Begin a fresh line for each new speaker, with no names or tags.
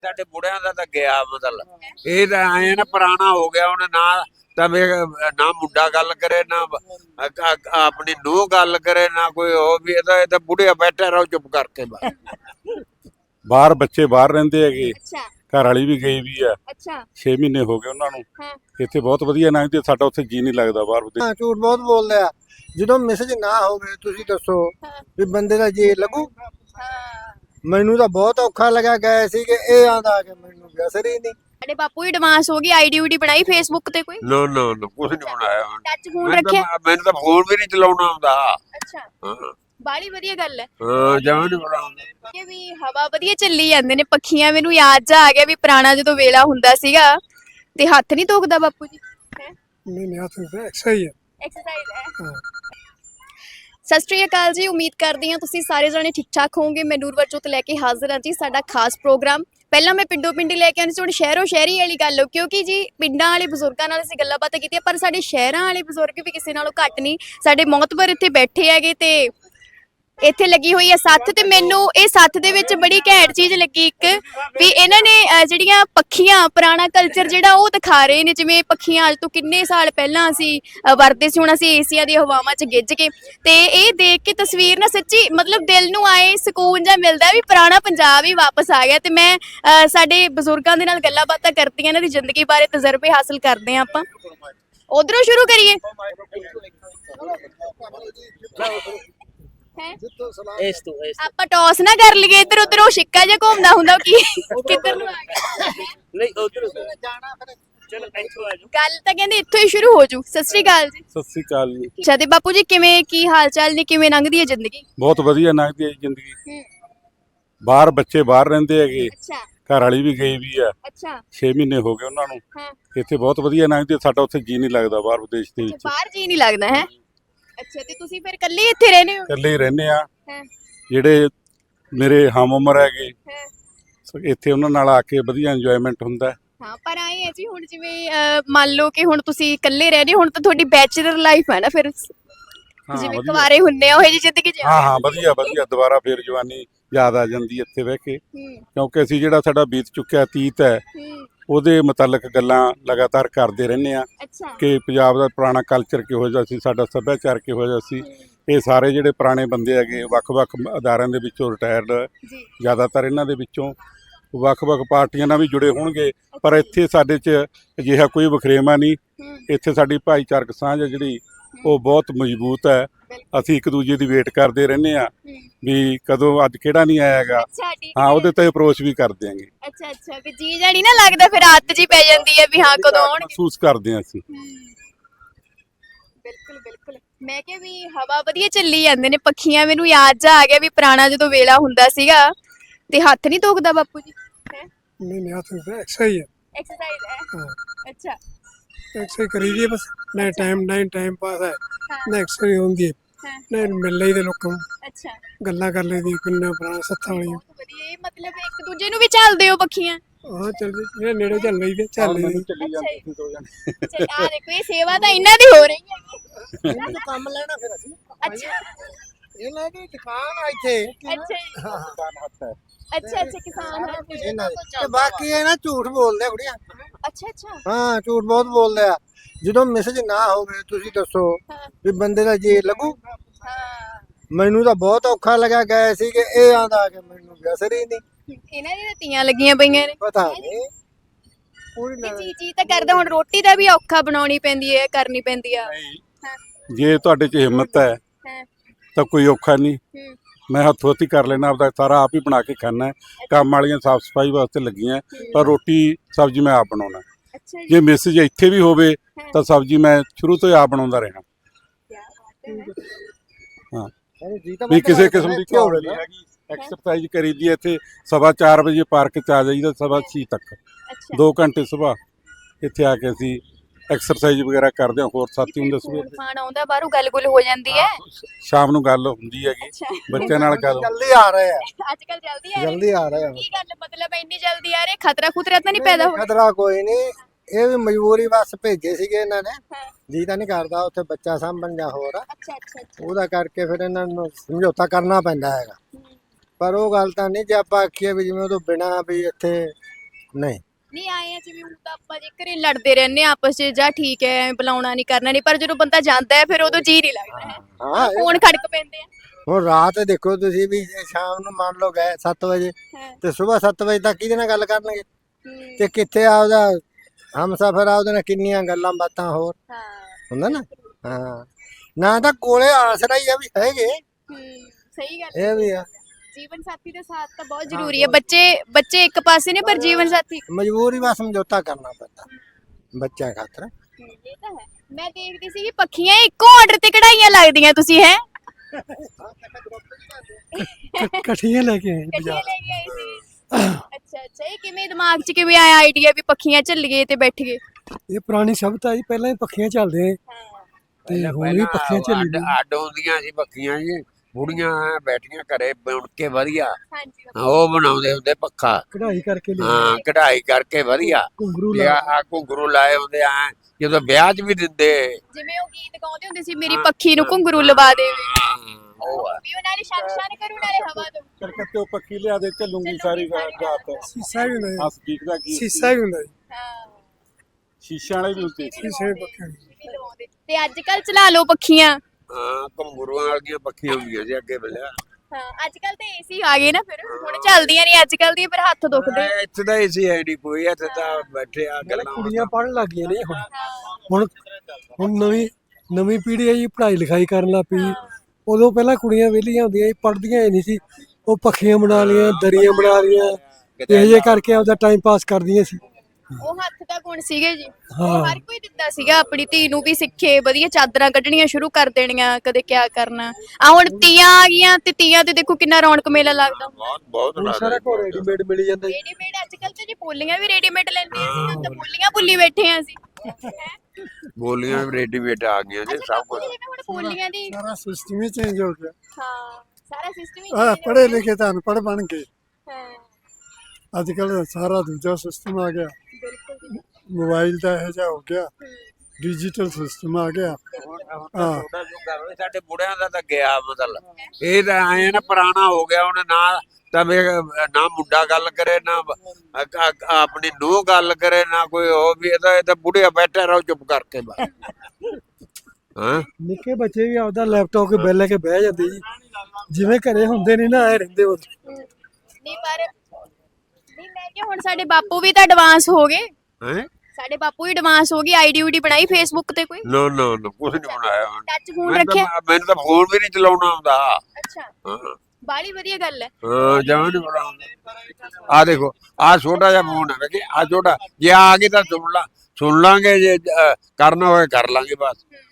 ਸਾਡੇ ਬੁੜਿਆਂ ਦਾ ਤਾਂ ਗਿਆ ਮਤਲਬ ਇਹ ਤਾਂ ਐ ਨਾ ਪੁਰਾਣਾ ਹੋ ਗਿਆ ਹੁਣ ਨਾ ਤਾਂ ਨਾ ਮੁੰਡਾ ਗੱਲ ਕਰੇ ਨਾ ਆਪਣੀ ਨੂੰਹ ਗੱਲ ਕਰੇ ਨਾ ਕੋਈ ਹੋ ਵੀ ਇਹ ਤਾਂ ਬੁੜਿਆ ਬੈਠਾ ਰਹੋ ਚੁੱਪ ਕਰਕੇ
ਬਾਹਰ ਬੱਚੇ ਬਾਹਰ ਰਹਿੰਦੇ ਹੈਗੇ,
ਅੱਛਾ
ਘਰ ਵਾਲੀ ਵੀ ਗਈ ਵੀ ਆ,
ਅੱਛਾ
6 ਮਹੀਨੇ ਹੋ ਗਏ ਉਹਨਾਂ ਨੂੰ।
ਹਾਂ
ਇੱਥੇ ਬਹੁਤ ਵਧੀਆ ਲੰਘਦੀ, ਸਾਡਾ ਉੱਥੇ ਜੀ ਨਹੀਂ ਲੱਗਦਾ ਬਾਹਰ ਵਿਦੇਸ਼।
ਹਾਂ ਝੂਠ ਬਹੁਤ ਬੋਲਦੇ ਆ। ਜਦੋਂ ਮੈਸੇਜ ਨਾ ਹੋਵੇ ਤੁਸੀਂ ਦੱਸੋ
ਹਾਂ
ਵੀ ਬੰਦੇ ਦਾ ਜੀ ਲੱਗੂ।
ਹਾਂ
ਮੈਨੂੰ ਤਾਂ ਬਹੁਤ ਔਖਾ ਲੱਗਾ ਗਏ ਸੀ ਕਿ ਇਹ ਆਂਦਾ ਕਿ ਮੈਨੂੰ ਅਸਰ ਹੀ ਨਹੀਂ।
ਸਾਡੇ ਬਾਪੂ ਦੀ ਐਡਵਾਂਸ ਹੋ ਗਈ, ਆਈਡੀ ਉਡੀ ਬਣਾਈ ਫੇਸਬੁੱਕ ਤੇ ਕੋਈ
ਨੋ ਨੋ ਨੋ ਕੁਝ ਨਹੀਂ ਬਣਾਇਆ
ਟੱਚ ਫੋਨ ਰੱਖਿਆ?
ਮੈਨੂੰ ਤਾਂ ਫੋਨ ਵੀ ਨਹੀਂ ਚਲਾਉਣਾ ਆਉਂਦਾ।
ਅੱਛਾ
ਹਾਂ
ਬਾਲੀ ਵਧੀਆ ਗੱਲ ਹੈ
ਜਮਾਂ ਨਹੀਂ ਬਣਾਉਂਦਾ।
ਕਿ ਵੀ ਹਵਾ ਵਧੀਆ ਚੱਲੀ ਜਾਂਦੇ ਨੇ, ਪੱਖੀਆਂ। ਮੈਨੂੰ ਯਾਦ ਜਾ ਆ ਗਿਆ ਵੀ ਪੁਰਾਣਾ ਜਦੋਂ ਵੇਲਾ ਹੁੰਦਾ ਸੀਗਾ ਤੇ ਹੱਥ ਨਹੀਂ ਧੋਕਦਾ ਬਾਪੂ ਜੀ ਹੈ?
ਨਹੀਂ ਹੱਥ ਸਹੀ ਹੈ।
ਐਕਸਰਸਾਈਜ਼ ਹੈ। ਸਤਿ ਸ਼੍ਰੀ ਅਕਾਲ ਜੀ, ਉਮੀਦ ਕਰਦੀ ਹਾਂ ਤੁਸੀਂ ਸਾਰੇ ਜਣੇ ਠੀਕ ਠਾਕ ਹੋਵੋਗੇ। ਮੈਂ ਨੂਰਵਰਜੋਤ ਲੈ ਕੇ ਹਾਜ਼ਰ ਹਾਂ ਜੀ ਸਾਡਾ ਖਾਸ ਪ੍ਰੋਗਰਾਮ। ਪਹਿਲਾਂ ਮੈਂ ਪਿੰਡੋਂ ਪਿੰਡੀ ਲੈ ਕੇ ਆਉਂਦੀ ਸੀ, ਹੁਣ ਸ਼ਹਿਰੋਂ ਸ਼ਹਿਰੀ ਵਾਲੀ ਗੱਲ ਹੋ, ਕਿਉਂਕਿ ਜੀ ਪਿੰਡਾਂ ਵਾਲੇ ਬਜ਼ੁਰਗਾਂ ਨਾਲ ਅਸੀਂ ਗੱਲਾਂ ਬਾਤਾਂ ਕੀਤੀਆਂ, ਪਰ ਸਾਡੇ ਸ਼ਹਿਰਾਂ ਵਾਲੇ ਬਜ਼ੁਰਗ ਵੀ ਕਿਸੇ ਨਾਲੋਂ ਘੱਟ ਨਹੀਂ। ਸਾਡੇ ਮੌਤਬਰ ਇੱਥੇ ਬੈਠੇ ਹੈਗੇ ਤੇ ਇੱਥੇ ਲੱਗੀ ਹੋਈ ਹੈ ਸੱਥ, ਤੇ ਮੈਨੂੰ ਇਹ ਸੱਥ ਦੇ ਵਿੱਚ ਬੜੀ ਘੈਂਟ ਚੀਜ਼ ਲੱਗੀ ਇੱਕ ਵੀ ਇਹਨਾਂ ਨੇ ਜਿਹੜੀਆਂ ਪੱਖੀਆਂ, ਪੁਰਾਣਾ ਕਲਚਰ ਜਿਹੜਾ ਉਹ ਦਿਖਾ ਰਹੇ ਨੇ। ਜਿਵੇਂ ਪੱਖੀਆਂ ਅੱਜ ਤੋਂ ਕਿੰਨੇ ਸਾਲ ਪਹਿਲਾਂ ਅਸੀਂ ਵਰਤਦੇ ਸੀ, ਹੁਣ ਅਸੀਂ ਏਸੀਆਂ ਦੀ ਹਵਾਵਾਂ 'ਚ ਗਿੱਜ ਕੇ, ਤੇ ਇਹ ਦੇਖ ਕੇ ਤਸਵੀਰ ਨਾ ਸੱਚੀ ਮਤਲਬ ਦਿਲ ਨੂੰ ਆਏ ਸਕੂਨ ਜਿਹਾ ਮਿਲਦਾ ਵੀ ਪੁਰਾਣਾ ਪੰਜਾਬ ਹੀ ਵਾਪਸ ਆ ਗਿਆ। ਤੇ ਮੈਂ ਸਾਡੇ ਬਜ਼ੁਰਗਾਂ ਦੇ ਨਾਲ ਗੱਲਾਂ ਬਾਤਾਂ ਕਰਦੀਆਂ, ਇਹਨਾਂ ਦੀ ਜ਼ਿੰਦਗੀ ਬਾਰੇ ਤਜਰਬੇ ਹਾਸਲ ਕਰਦੇ ਹਾਂ ਆਪਾਂ। ਉਧਰੋਂ ਸ਼ੁਰੂ ਕਰੀਏ ਆਪਾਂ ਟੌਸ ਨਾ ਕਰ ਲਈਏ ਇੱਧਰ ਉੱਧਰ, ਉਹ ਛਿੱਕਾ ਜਿਹਾ ਘੁੰਮਦਾ ਹੁੰਦਾ ਕੀ ਕਿੱਧਰ ਨੂੰ ਆ ਗਿਆ
ਨਹੀਂ ਉਧਰ ਚਲੋ ਇੱਥੋਂ ਆ ਜਾਓ।
ਗੱਲ ਤਾਂ ਕਹਿੰਦੇ ਇੱਥੋਂ ਹੀ ਸ਼ੁਰੂ ਹੋ ਜੂ। ਸਤਿ ਸ੍ਰੀ ਅਕਾਲ ਜੀ।
ਸਤਿ ਸ੍ਰੀ ਅਕਾਲ ਜੀ।
ਅੱਛਾ ਤੇ ਬਾਪੂ ਜੀ ਕਿਵੇਂ, ਕੀ ਹਾਲ ਚਾਲ ਨੇ, ਕਿਵੇਂ ਲੰਘਦੀ ਹੈ ਜ਼ਿੰਦਗੀ?
ਬਹੁਤ ਵਧੀਆ ਲੰਘਦੀ ਹੈ ਜ਼ਿੰਦਗੀ। ਬਾਹਰ ਬੱਚੇ ਬਾਹਰ ਰਹਿੰਦੇ ਹੈਗੇ,
ਅੱਛਾ
ਘਰ ਵਾਲੀ ਵੀ ਗਈ ਵੀ ਆ,
ਅੱਛਾ
6 ਮਹੀਨੇ ਹੋ ਗਏ ਉਹਨਾਂ ਨੂੰ।
ਹਾਂ
ਇੱਥੇ ਬਹੁਤ ਵਧੀਆ ਲੰਘਦੀ, ਸਾਡਾ ਉੱਥੇ ਜੀ ਨਹੀਂ ਲੱਗਦਾ ਬਾਹਰ ਵਿਦੇਸ਼ ਦੇ ਵਿੱਚ।
ਬਾਹਰ ਜੀ ਨਹੀਂ ਲੱਗਦਾ ਹੈ? ਅੱਛਾ ਤੇ ਤੁਸੀਂ ਫਿਰ ਇਕੱਲੇ ਇੱਥੇ ਰਹਿੰਦੇ ਹੋ?
ਇਕੱਲੇ ਹੀ ਰਹਿੰਦੇ ਆ।
ਹਾਂ
ਜਿਹੜੇ ਮੇਰੇ ਹਮ ਉਮਰ ਹੈਗੇ
ਹਾਂ
ਇੱਥੇ ਉਹਨਾਂ ਨਾਲ ਆ ਕੇ ਵਧੀਆ ਇੰਜੋਇਮੈਂਟ ਹੁੰਦਾ।
ਹਾਂ ਪਰ ਆਏ ਹੈ ਜੀ, ਹੁਣ ਜਿਵੇਂ ਮੰਨ ਲਓ ਕਿ ਹੁਣ ਤੁਸੀਂ ਇਕੱਲੇ ਰਹਿ ਰਹੇ ਹੋ, ਹੁਣ ਤਾਂ ਤੁਹਾਡੀ ਬੈਚਲਰ ਲਾਈਫ ਹੈ ਨਾ, ਫਿਰ ਜਿਵੇਂ
ਵਧੀਆ।
ਕੁਆਰੇ ਹੁੰਨੇ ਆ ਉਹ ਜਿਹੀ ਜ਼ਿੰਦਗੀ ਜੀ।
ਹਾਂ ਵਧੀਆ ਵਧੀਆ, ਦੁਬਾਰਾ ਫੇਰ ਜਵਾਨੀ ਯਾਦ ਆ ਜਾਂਦੀ ਹੈ ਇੱਥੇ ਬਹਿ ਕੇ, ਕਿਉਂਕਿ ਅਸੀਂ ਜਿਹੜਾ ਸਾਡਾ ਬੀਤ ਚੁੱਕਿਆ ਅਤੀਤ ਹੈ ਉਹਦੇ ਮੁਤਲਕ ਗੱਲਾਂ ਲਗਾਤਾਰ ਕਰਦੇ ਰਹਿੰਦੇ ਆ
ਅੱਛਾ
ਕਿ ਪੰਜਾਬ ਦਾ ਪੁਰਾਣਾ ਕਲਚਰ ਕਿਹੋ ਜਿਹਾ ਸੀ, ਸਾਡਾ ਸੱਭਿਆਚਾਰ ਕਿਹੋ ਜਿਹਾ ਸੀ। ਇਹ ਸਾਰੇ ਜਿਹੜੇ ਪੁਰਾਣੇ ਬੰਦੇ ਹੈਗੇ ਵੱਖ-ਵੱਖ ਅਦਾਰਿਆਂ ਦੇ ਵਿੱਚੋਂ ਰਿਟਾਇਰਡ,
ਜੀ
ਜ਼ਿਆਦਾਤਰ ਇਹਨਾਂ ਦੇ ਵਿੱਚੋਂ ਵੱਖ-ਵੱਖ ਪਾਰਟੀਆਂ ਨਾਲ ਵੀ ਜੁੜੇ ਹੋਣਗੇ, ਪਰ ਇੱਥੇ ਸਾਡੇ 'ਚ ਅਜਿਹਾ ਕੋਈ ਵਖਰੇਵਾਂ ਨਹੀਂ। ਇੱਥੇ ਸਾਡੀ ਭਾਈਚਾਰਕ ਸਾਂਝ ਹੈ ਜਿਹੜੀ ਉਹ ਬਹੁਤ ਮਜ਼ਬੂਤ ਹੈ। ਅਸੀਂ ਇੱਕ ਦੂਜੇ ਦੀ ਵੇਟ ਕਰਦੇ ਰਹਿੰਦੇ ਆ ਵੀ ਕਦੋਂ ਅੱਜ ਕਿਹੜਾ ਨਹੀਂ ਆਏਗਾ।
ਅੱਛਾ ਠੀਕ
ਹਾਂ
ਹੈ।
ਉਹਦੇ ਤੇ ਅਪਰੋਚ ਵੀ ਕਰ ਦਿਆਂਗੇ।
ਅੱਛਾ ਵੀ ਜੀ ਜਾਨੀ ਨਾ ਲੱਗਦਾ, ਫਿਰ ਆਦਤ ਜੀ ਪੈ ਜਾਂਦੀ ਹੈ ਵੀ ਹਾਂ ਕਦੋਂ ਆਉਣਗੇ।
ਮਹਿਸੂਸ ਕਰਦੇ ਹਾਂ ਅਸੀਂ।
ਬਿਲਕੁਲ ਬਿਲਕੁਲ। ਮੈਂ ਕਿਹਾ ਵੀ ਹਵਾ ਵਧੀਆ ਚੱਲੀ ਜਾਂਦੇ ਨੇ, ਪੱਖੀਆਂ। ਮੈਨੂੰ ਯਾਦ ਜਾ ਆ ਗਿਆ ਵੀ ਪੁਰਾਣਾ ਜਦੋਂ ਵੇਲਾ ਹੁੰਦਾ ਸੀਗਾ ਤੇ ਹੱਥ ਨਹੀਂ ਧੋਕਦਾ ਬਾਪੂ ਜੀ ਹੈ?
ਨਹੀਂ ਹੱਥ ਸਹੀ ਹੈ।
ਐਕਸਰਸਾਈਜ਼ ਹੈ। ਅੱਛਾ
ਐਕਸਰਸਾइज करीजिए बस। नहीं टाइम पास है
ਹਾਂ
ना एक्सरसाइज होंगी है
ਹਾਂ
नहीं मिल ਲਈ ਦੇ ਲੋਕਾਂ ਨੂੰ
ਅੱਛਾ
ਗੱਲਾਂ ਕਰ ਲਈਦੀ ਕਿੰਨਾ ਪੁਰਾਣਾ ਸੱਥਾਂ ਵਾਲੀਆਂ।
ਬਹੁਤ ਵਧੀਆ। ਇਹ ਮਤਲਬ ਇੱਕ ਦੂਜੇ ਨੂੰ ਵੀ ਚੱਲਦੇ ਹੋ ਪੱਖੀਆਂ?
ਹਾਂ ਚੱਲ ਜਿਹੜੇ ਨੇੜੇ ਚੱਲ ਲਈਦੇ ਚੱਲ ਲਈਦੇ।
ਚੱਲ ਆ ਦੇਖੋ, ਇਹ ਸੇਵਾ ਤਾਂ ਇਹਨਾਂ ਦੀ ਹੋ ਰਹੀ ਹੈ।
ਇਹਨਾਂ ਤੋਂ ਕੰਮ ਲੈਣਾ ਫਿਰ ਅਸੀਂ।
ਅੱਛਾ
ਇਹਨਾਂ ਦੀ ਦੁਕਾਨ ਆ ਇੱਥੇ।
ਅੱਛਾ ਜੀ। ਅੱਛਾ ਕਿਸਾਨ ਹੈ
ਇਹਨਾਂ ਦੀ ਤੇ ਬਾਕੀ ਇਹ ਨਾ ਝੂਠ ਬੋਲਦੇ ਆ ਕੁੜੀਆਂ।
ਅੱਛਾ
ਹਾਂ ਝੂਠ ਬਹੁਤ ਬੋਲਦੇ ਆ। ਜਦੋਂ ਮੈਸੇਜ ਨਾ ਹੋਵੇ ਤੁਸੀਂ ਦੱਸੋ
ਹਾਂ
ਵੀ ਬੰਦੇ ਦਾ ਜੀ ਲੱਗੂ।
ਹਾਂ
ਮੈਨੂੰ ਤਾਂ ਬਹੁਤ ਔਖਾ ਲੱਗਾ ਗਏ ਸੀ ਕਿ ਇਹ ਆਂਦਾ ਕਿ ਮੈਨੂੰ ਅਸਰ ਹੀ ਨਹੀਂ।
ਇਹਨਾਂ ਦੀ ਧੀਆਂ ਲੱਗੀਆਂ ਪਈਆਂ ਨੇ।
ਪਤਾ ਨਹੀਂ ਕੋਈ ਨਾ।
ਜੀ ਤਾਂ ਕਰਦਾ, ਹੁਣ ਰੋਟੀ ਦਾ ਵੀ ਔਖਾ ਬਣਾਉਣੀ ਪੈਂਦੀ ਹੈ, ਕਰਨੀ ਪੈਂਦੀ ਆ। ਹਾਂ
ਜੇ ਤੁਹਾਡੇ 'ਚ ਹਿੰਮਤ ਹੈ
ਹਾਂ
ਤਾਂ ਕੋਈ ਔਖਾ ਨਹੀਂ। ਮੈਂ ਹੱਥੋਂ ਹੱਥੀ ਕਰ ਲੈਣਾ, ਆਪਦਾ ਸਾਰਾ ਆਪ ਹੀ ਬਣਾ ਕੇ ਖਾਣਾ। ਕੰਮ ਵਾਲੀਆਂ ਸਾਫ ਸਫਾਈ ਵਾਸਤੇ ਲੱਗੀਆਂ, ਪਰ ਰੋਟੀ ਸਬਜ਼ੀ ਮੈਂ ਆਪ ਬਣਾਉਣਾ।
ਅੱਛਾ ਜੀ।
ਜੇ ਮੈਸੇਜ ਇੱਥੇ ਵੀ ਹੋਵੇ ਤਾਂ ਸਬਜ਼ੀ ਮੈਂ ਸ਼ੁਰੂ ਤੋਂ ਹੀ ਆਪ ਬਣਾਉਂਦਾ ਰਹਿਣਾ। ਹਾਂ ਵੀ ਕਿਸੇ ਕਿਸਮ ਦੀ ਘੋਲ ਨਹੀਂ ਹੈਗੀ। ਐਕਸਰਸਾਈਜ਼ ਕਰੀਦੀ ਹੈ ਇੱਥੇ 4:15 ਵਜੇ ਪਾਰਕ 'ਚ ਆ ਜਾਈਦਾ, 6:15 ਤੱਕ 2 ਘੰਟੇ ਸੁਬਾਹ ਇੱਥੇ ਆ ਕੇ ਅਸੀਂ ਐਕਸਰਸਾਈਜ਼ ਵਗੈਰਾ ਕਰਦੇ ਹਾਂ। ਹੋਰ ਸਾਥੀ ਹੁੰਦੇ ਸਵੇਰ ਦੇ,
ਖਾਣ ਆਉਂਦਾ ਬਾਹਰੋਂ, ਗੱਲ-ਗੁਲ ਹੋ ਜਾਂਦੀ ਹੈ।
ਸ਼ਾਮ ਨੂੰ ਗੱਲ ਹੁੰਦੀ ਹੈਗੀ ਬੱਚਿਆਂ ਨਾਲ ਗੱਲ।
ਜਲਦੀ ਆ ਰਹੇ ਆ।
ਅੱਜ ਕੱਲ ਜਲਦੀ ਆ
ਜਲਦੀ ਆ ਰਹੇ ਆ।
ਕੀ ਗੱਲ ਮਤਲਬ ਇੰਨੀ ਜਲਦੀ ਆ ਰਹੇ? ਖਤਰਾ ਤਾਂ ਨਹੀਂ ਪੈਦਾ ਹੋ ਰਿਹਾ?
ਖਤਰਾ ਕੋਈ ਨਹੀਂ, ਇਹ ਵੀ ਮਜਬੂਰੀ ਬਸ ਭੇਜੇ ਸੀਗੇ ਇਹਨਾਂ ਨੇ।
ਹਾਂ
ਜੀ ਤਾਂ ਨਹੀਂ ਕਰਦਾ ਉੱਥੇ ਬੱਚਾ ਸਾਂਭਣ ਜਾਂ ਹੋਰ
ਅੱਛਾ
ਉਹਦਾ ਕਰਕੇ ਫਿਰ ਇਹਨਾਂ ਨੂੰ ਸਮਝੌਤਾ ਕਰਨਾ ਪੈਂਦਾ ਹੈਗਾ। ਪਰ ਉਹ ਗੱਲ ਤਾਂ ਨਹੀਂ ਜੇ ਆਪਾਂ ਆਖੀਏ ਵੀ ਜਿਵੇਂ ਉਹ ਤੋਂ ਬਿਨਾਂ ਵੀ ਇੱਥੇ ਨਹੀਂ
ਨਹੀਂ ਆਏ ਆ ਜਿਵੇਂ ਹੁਣ ਤਾਂ ਆਪਾਂ ਜੇ ਘਰੇ ਲੜਦੇ ਰਹਿੰਦੇ ਆ ਆਪਸ 'ਚ ਜਾਂ ਠੀਕ ਹੈ ਬੁਲਾਉਣਾ ਨਹੀਂ ਕਰਨਾ ਨਹੀਂ, ਪਰ ਜਦੋਂ ਬੰਦਾ ਜਾਂਦਾ ਹੈ ਫਿਰ ਉਦੋਂ ਜੀ ਨਹੀਂ ਲੱਗਦਾ ਹੈ,
ਹਾਂ
ਫੋਨ ਖੜਕ ਪੈਂਦੇ ਆ।
ਹੁਣ ਰਾਤ ਦੇਖੋ ਤੁਸੀਂ ਵੀ ਜੇ ਸ਼ਾਮ ਨੂੰ ਮੰਨ ਲਓ ਗਏ 7 ਵਜੇ
ਹਾਂ।
ਤੇ ਸਵੇਰ 7 ਵਜੇ ਤੱਕ ਕਿਹਦੇ ਨਾਲ ਗੱਲ ਕਰਨਗੇ
ਹੂੰ,
ਤੇ ਕਿੱਥੇ ਆਪਦਾ ਹਮਸਫਰ ਆ ਉਹਦੇ ਨਾਲ ਕਿੰਨੀਆਂ ਗੱਲਾਂ ਬਾਤਾਂ ਹੋਰ
ਹਾਂ
ਹੁੰਦਾ ਨਾ। ਹਾਂ ਨਾ ਤਾਂ ਕੋਲੇ ਆਸਰਾ ਹੀ ਆ ਵੀ ਹੈਗੇ,
ਸਹੀ ਗੱਲ
ਇਹ ਵੀ ਆ
ਜੀਵਨ ਸਾਥੀ ਦਾ ਸਾਥ ਤਾਂ ਬਹੁਤ ਜ਼ਰੂਰੀ ਹੈ। ਬੱਚੇ ਇੱਕ ਪਾਸੇ ਨੇ ਪਰ ਜੀਵਨ ਸਾਥੀ
ਮਜਬੂਰੀ ਵਾ ਸਮਝੌਤਾ ਕਰਨਾ ਪੈਂਦਾ ਬੱਚਿਆਂ ਖਾਤਰ।
ਇਹ ਤਾਂ ਹੈ। ਮੈਂ ਦੇਖਦੀ ਸੀ ਕਿ ਪੱਖੀਆਂ ਇੱਕੋ ਆਰਡਰ ਤੇ ਕਢਾਈਆਂ ਲੱਗਦੀਆਂ ਤੁਸੀਂ ਹੈ
ਇਕੱਠੀਆਂ ਲੈ ਕੇ ਆਏ
ਕੱਢੀਆਂ ਲੈ ਕੇ ਆਏ ਸੀ। ਅੱਛਾ ਅੱਛਾ, ਇਹ ਕਿਵੇਂ ਦਿਮਾਗ 'ਚ ਕਿਵੇਂ ਆਇਆ ਆਈਡੀਆ ਵੀ ਪੱਖੀਆਂ ਝੱਲ ਗਏ ਤੇ ਬੈਠ ਗਏ?
ਇਹ ਪੁਰਾਣੀ ਸਭਤਾ ਜੀ, ਪਹਿਲਾਂ ਹੀ ਪੱਖੀਆਂ ਚੱਲਦੇ ਤੇ ਹੁਣ ਵੀ ਪੱਖੀਆਂ ਚੱਲੀ ਦੀਆਂ।
ਅੱਡ ਹੁੰਦੀਆਂ ਸੀ ਪੱਖੀਆਂ ਜੀ, ਬੁੜੀਆਂ ਐਂ ਬੈਠੀਆਂ ਘਰੇ ਬੁਣ ਕੇ ਵਧੀਆ,
ਹਾਂਜੀ
ਹਾਂ, ਉਹ ਬਣਾਉਂਦੇ ਹੁੰਦੇ ਪੱਖਾ,
ਕਢਾਈ ਕਰਕੇ ਲੈ
ਹਾਂ ਕਢਾਈ ਕਰਕੇ ਵਧੀਆ,
ਘੁੰਗਰੂ
ਤੇ
ਲਾ
ਆ ਘੁੰਗਰੂ ਲਾਏ ਹੁੰਦੇ ਆ, ਜਦੋਂ ਵਿਆਹ 'ਚ ਵੀ ਦਿੰਦੇ।
ਜਿਵੇਂ ਉਹ ਗੀਤ ਗਾਉਂਦੇ ਹੁੰਦੇ ਸੀ ਮੇਰੀ ਪੱਖੀ ਨੂੰ ਘੁੰਗਰੂ ਲਵਾ ਦੇਵੇ,
ਉਹ ਆ।
ਵੀ ਉਹ ਨਾਲੇ ਸ਼ਾਨ ਕਰੂ ਨਾਲੇ ਹਵਾ ਦੋ।
ਕਲਕੱਤੇ ਉਹ ਪੱਖੀ ਲਿਆ ਦੇ ਚੱਲੂਗੀ ਸਾਰੀ ਰਾਤ।
ਸੀਸਾ ਵੀ ਹੁੰਦਾ
ਆ ਸਪੀਕ ਦਾ ਕੀ
ਸੀਸਾ ਵੀ ਹੁੰਦਾ ਜੀ,
ਹਾਂ
ਸ਼ੀਸ਼ਾ ਵਾਲੇ ਵੀ ਹੁੰਦੇ ਸੀ।
ਸੀਸੇ ਪੱਖੀਆਂ
ਵੀ ਲਵਾਉਂਦੇ। ਤੇ ਅੱਜ ਕੱਲ ਚਲਾ ਲਓ ਪੱਖੀਆਂ।
ਹਾਂ ਘੁੰਗਰੂਆਂ ਵਾਲੀਆਂ ਪੱਖੀਆਂ ਹੁੰਦੀਆਂ ਸੀ ਅੱਗੇ ਬਿਲਿਆ।
ਹਾਂ ਅੱਜ ਕੱਲ ਤੇ ਏਸੀ ਆ ਗਏ ਨਾ, ਫਿਰ ਹੁਣ ਚੱਲਦੀਆਂ ਨਹੀਂ ਅੱਜ ਕੱਲ ਦੀਆਂ, ਫਿਰ ਹੱਥ ਦੁਖਦੇ।
ਇੱਥੇ ਤਾਂ ਏਸੀ ਹੈ ਨਹੀਂ ਕੋਈ, ਇੱਥੇ ਤਾਂ ਬੈਠੇ ਆ ਗੱਲਾਂ।
ਕੁੜੀਆਂ ਪੜ੍ਹਨ ਲੱਗ ਗਈਆਂ ਨੇ ਹੁਣ ਹੁਣ ਨਵੀਂ ਪੀੜ੍ਹੀ ਹੈ ਜੀ, ਪੜ੍ਹਾਈ ਲਿਖਾਈ ਕਰਨ ਲੱਗ ਪਈ। ਉਦੋਂ ਪਹਿਲਾਂ ਕੁੜੀਆਂ ਵਿਹਲੀਆਂ ਹੁੰਦੀਆਂ ਸੀ, ਪੜ੍ਹਦੀਆਂ ਹੀ ਨਹੀਂ ਸੀ, ਉਹ ਪੱਖੀਆਂ ਬਣਾ ਲਈਆਂ, ਦਰੀਆਂ ਬਣਾ ਲਈਆਂ, ਇਹ ਜੇ ਕਰਕੇ ਆਪਦਾ ਟਾਈਮ ਪਾਸ ਕਰਦੀਆਂ ਸੀ।
ਉਹ ਹੱਥ ਦਾ ਗੁਣ ਸੀਗੇ ਜੀ,
ਹਾਂ।
ਉਹ ਹਰ ਕੋਈ ਦਿੰਦਾ ਸੀਗਾ ਆਪਣੀ ਧੀ ਨੂੰ ਵੀ ਸਿੱਖੇ, ਵਧੀਆ ਚਾਦਰਾਂ ਕੱਢਣੀਆਂ ਸ਼ੁਰੂ ਕਰ ਦੇਣੀਆਂ, ਕਦੇ ਕਿਆ ਕਰਨਾ। ਆ ਹੁਣ ਤੀਆਂ ਆ ਗਈਆਂ ਤੇ ਤੀਆਂ ਤੇ ਦੇਖੋ ਕਿੰਨਾ ਰੌਣਕ ਮੇਲਾ ਲੱਗਦਾ।
ਬਹੁਤ ਬਹੁਤ
ਹੁਣ
ਲੱਗਦਾ
ਸਾਰਾ ਕੁਝ ਰੈਡੀਮੇਡ ਮਿਲ ਜਾਂਦਾ ਜੀ।
ਰੈਡੀਮੇਡ ਅੱਜ ਕੱਲ ਤੇ ਜੀ ਪੋਲੀਆਂ ਵੀ ਰੈਡੀਮੇਡ ਲੈਂਦੇ ਆ, ਸੀ ਤਾਂ ਪੋਲੀਆਂ ਭੁੱਲੀ ਬੈਠੇ ਆ ਅਸੀਂ।
ਬੋਲੀਆਂ ਵੀ ਰੈਡੀਮੇਡ ਆ ਗਈਆਂ ਜੀ, ਸਭ ਕੁਝ।
ਜਿਵੇਂ ਹੁਣ ਪੋਲੀਆਂ ਦੀ
ਸਾਰਾ ਸਿਸਟਮ ਹੀ ਚੇਂਜ ਹੋ ਗਿਆ।
ਹਾਂ ਸਾਰਾ ਸਿਸਟਮ ਹੀ
ਆ
change ਹੋ
ਪੜ੍ਹੇ
ਗਿਆ।
ਲਿਖੇ ਤਾਂ ਅਨਪੜ੍ਹ ਬਣ ਗਏ।
ਹਾਂ
ਅੱਜ ਕੱਲ ਸਾਰਾ ਦੂਜਾ ਸਿਸਟਮ ਆ ਗਿਆ,
ਬਿਲਕੁਲ ਜੀ।
ਮੋਬਾਈਲ ਦਾ ਇਹੋ ਜਿਹਾ ਹੋ ਗਿਆ, ਡਿਜੀਟਲ ਸਿਸਟਮ ਆ ਗਿਆ। ਹਾਂ।
ਸਾਡੇ ਬੁੜਿਆਂ ਦਾ ਤਾਂ ਗਿਆ, ਮਤਲਬ ਇਹ ਤਾਂ ਆਏ ਨਾ ਪੁਰਾਣਾ ਹੋ ਗਿਆ ਹੁਣ, ਨਾ ਤਾਂ ਨਾ ਮੁੰਡਾ ਗੱਲ ਕਰੇ, ਨਾ ਆਪਣੀ ਨੂੰਹ ਗੱਲ ਕਰੇ, ਨਾ ਕੋਈ ਹੋ ਵੀ, ਇਹ ਤਾਂ ਬੁੜਿਆ ਬੈਠੇ ਰਹੋ ਚੁੱਪ ਕਰਕੇ ਬਸ। ਹਾਂ
ਨਿੱਕੇ ਬੱਚੇ ਵੀ ਆਪਦਾ ਲੈਪਟਾਪ ਕੇ ਬੈਲ ਲੈ ਕੇ ਬਹਿ ਜਾਂਦੇ ਜੀ, ਜਿਵੇਂ ਘਰੇ ਹੁੰਦੇ ਨਹੀਂ ਨਾ, ਐ ਰਹਿੰਦੇ ਉਹ।
ਨਹੀਂ ਪਰ ਨਹੀਂ, ਮੈਂ ਕਿ ਹੁਣ ਸਾਡੇ ਬਾਪੂ ਵੀ ਤਾਂ ਐਡਵਾਂਸ ਹੋ ਗਏ।
ਹੈ
ਸਾਡੇ ਬਾਪੂ ਵੀ ਐਡਵਾਂਸ ਹੋ ਗਈ, ਆਈਡੀ ਉਡੀ ਬਣਾਈ ਫੇਸਬੁੱਕ ਤੇ ਕੋਈ
ਨੋ ਨੋ ਨੋ ਕੁਝ ਨਹੀਂ ਬਣਾਇਆ ਹੁਣ।
ਟੱਚ ਫੋਨ ਰੱਖਿਆ।
ਮੈਨੂੰ ਤਾਂ ਫੋਨ ਵੀ ਨਹੀਂ ਚਲਾਉਣਾ ਆਉਂਦਾ।
ਅੱਛਾ
ਹਾਂ
ਬਾਲੀ ਵਧੀਆ ਗੱਲ ਹੈ।
ਹਾਂ ਜਮਾਂ ਨਹੀਂ ਬਣਾਉਂਦਾ। ਆ ਦੇਖੋ ਆ ਛੋਟਾ ਜਿਹਾ ਫੋਨ ਹੈ, ਆ ਛੋਟਾ, ਜੇ ਆ ਗਏ ਤਾਂ ਸੁਣ ਲਾਂਗੇ, ਜੇ ਕਰਨਾ ਹੋਏ ਕਰ ਲਾਂਗੇ ਬਸ।